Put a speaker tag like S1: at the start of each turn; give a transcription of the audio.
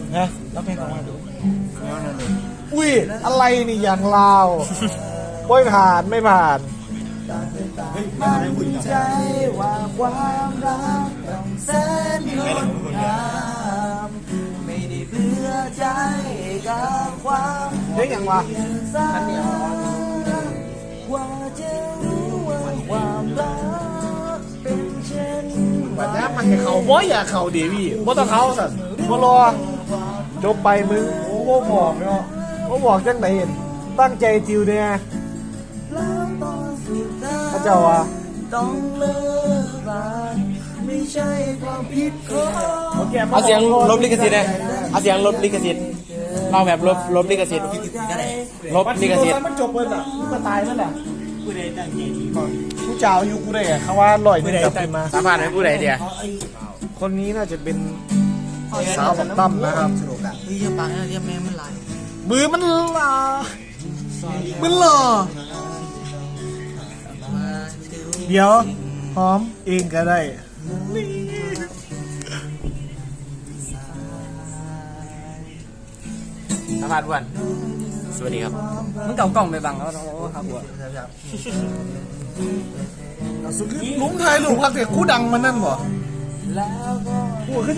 S1: นะแล้วเพลงออกมาดูอุ้ยอะไรนี่อย่างลาวไม่ผ่านไม่ผ่านมั่นใจว่าความรักต้องแสนงดงามไม่ได้เบื่อใจกับความเฮ้ยอย่างวะอันนี้ว่าจะรู้ว่าความรักเป็นเช่นแบบนี้มันเขาบ่อยากเขาดีพี่บ่ต้องเขาสัตว์บ่รอจบไปมึงโอ้บ่บอกเนาะบ่บอกจังไหนเห็นตั้งใจจิวเนี่ยพระเจ้าว่าต้องเลิกกันไม่ใช่ความผิดของ
S2: เอาเสียงลบลิขสิทธิ์เลยเอาเสียงลบลิขสิทธิ์เราแบบลบลิขสิทธิ์ลบลิขสิทธิ์
S1: มันจบเลยอ่ะมันตายนั่นแหละผู้เจ้าอยู่กูได้เขาว่าลอยนึงกลับขึ้นมา
S2: สามารถให้ผู้ใดเดียว
S1: คนนี้น่าจะเป็นสาวกับตั้มนะครับ
S3: เยี่ยมปังเยี่ยมแม่มันไหล
S1: มือมันลามันหล่อเดี๋ยวหอมเองก็ได้
S2: สามารถอ้วนสวัสดีครับ
S3: มันเก่ากล่องไปบังแล้วครับบัว
S1: สุดลุงไทยลุงพักเด็กคู่ดังมันนั่นบ่